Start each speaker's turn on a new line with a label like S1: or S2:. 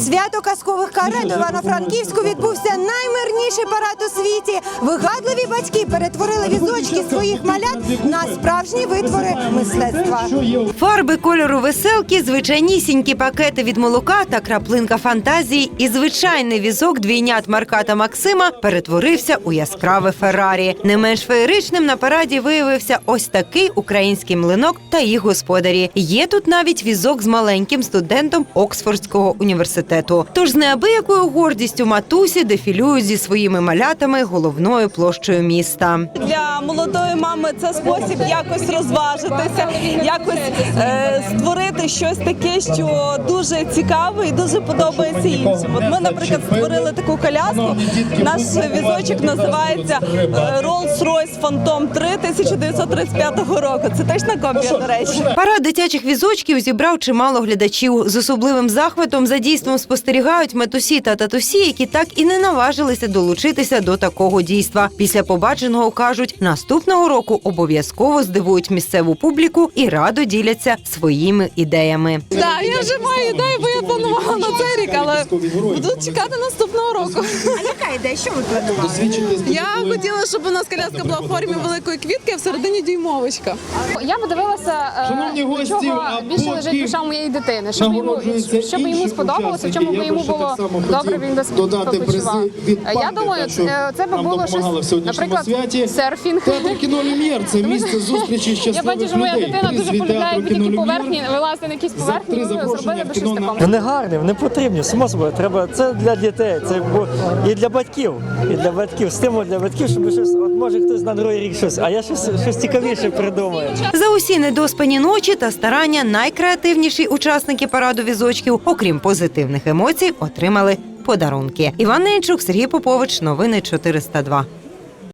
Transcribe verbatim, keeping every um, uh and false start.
S1: свято казкових карет у Івано-Франківську відбувся наймирніший парад у світі. Вигадливі батьки перетворили візочки своїх малят на справжні витвори мистецтва.
S2: Фарби кольору веселки, звичайнісінькі пакети від молока та краплинка фантазії і звичайний візок двійнят Марка та Максима перетворився у яскраве Феррарі. Не менш феєричним на параді виявився ось такий український млинок та їх господарі. Є тут навіть візок з маленьким студентом Оксфордського університету. Тож з неабиякою гордістю матусі дефілюють зі своїми малятами головною площею міста.
S3: Для молодої мами це спосіб якось розважитися, якось е, створити щось таке, що дуже цікаве і дуже подобається іншим. От ми, наприклад, створили таку коляску. Наш візочок називається Rolls-Royce Phantom три тисяча дев'ятсот тридцять п'ятого року. Це точно копія, до речі.
S2: Парад дитячих візочків зібрав чимало глядачів. З особливим захватом за дійством спостерігають матусі та татусі, які так і не наважилися долучитися до такого дійства. Після побаченого кажуть, наступного року обов'язково здивують місцеву публіку і радо діляться своїми ідеями.
S3: Так, я вже маю ідею, бо я планувала на цей рік, але буду чекати наступного року.
S1: А яка ідея? Що ви планували?
S3: Я хотіла, щоб у нас коляска була в формі великої квітки, а всередині дюймовочка.
S4: Я подивилася, до чого більше лежить душа моєї дитини, щоб йому, щоб йому сподобалося, в чому би йому було добре, він би почував. Я думаю, це би було щось, наприклад, серфінг.
S5: Це місце зустрічі щасливих людей.
S4: Я бачу, що моя дитина дуже полюбляє такі поверхні, вилазити на якісь поверхні, зробили би щось такому.
S6: Вони гарні, вони потрібні, само собою. Треба, це для дітей, це і для батьків, і для батьків, стимул для батьків, щоб щось, от може хтось на другий рік щось, а я щось, щось цікавіше придумаю.
S2: За усі недоспані ночі та старання найкреативніші учасники параду візочків, окрім позитивних емоцій, отримали подарунки. Іван Ненчук, Сергій Попович, новини чотириста два.